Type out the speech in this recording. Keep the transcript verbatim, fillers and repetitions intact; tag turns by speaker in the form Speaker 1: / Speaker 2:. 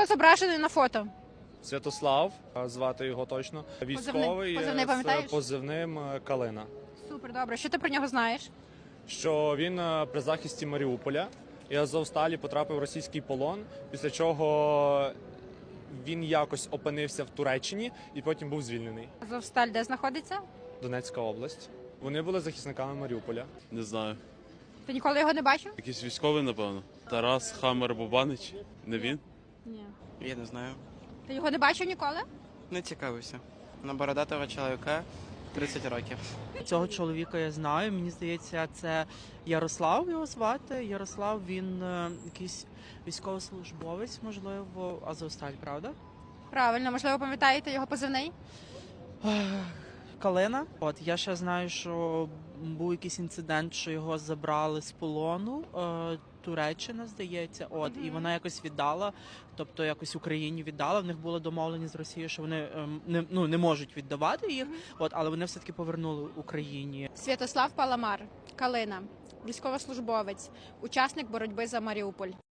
Speaker 1: зображений на фото?
Speaker 2: Святослав, звати його точно. Військовий
Speaker 1: Позивний пам'ятаєш?
Speaker 2: з позивним Калина.
Speaker 1: Супер, добре. Що ти про нього знаєш?
Speaker 2: Що він при захисті Маріуполя і Азовсталі потрапив в російський полон, після чого він якось опинився в Туреччині і потім був звільнений.
Speaker 1: Азовсталь де знаходиться?
Speaker 2: Донецька область. Вони були захисниками Маріуполя.
Speaker 3: Не знаю.
Speaker 1: Ти ніколи його не бачив?
Speaker 3: Якийсь військовий, напевно. Тарас Хамер Бубанич. Не він?
Speaker 1: Ні.
Speaker 4: Я не знаю.
Speaker 1: Ти його не бачив ніколи?
Speaker 4: Не цікавився. На бородатого чоловіка тридцять років.
Speaker 5: Цього чоловіка я знаю. Мені здається, це Ярослав його звати. Ярослав, він е, якийсь військовослужбовець, можливо, Азовсталь, правда?
Speaker 1: Правильно, можливо, пам'ятаєте його позивний?
Speaker 5: Калина. От я ще знаю, що був якийсь інцидент, що його забрали з полону. Е, Туреччина, здається, от
Speaker 1: Мгм.
Speaker 5: і вона якось віддала, тобто якось Україні віддала. В них було домовлені з Росією, що вони ем, не ну не можуть віддавати їх. От, але вони все таки повернули Україні.
Speaker 1: Святослав Паламар, Калина, військовослужбовець, учасник боротьби за Маріуполь.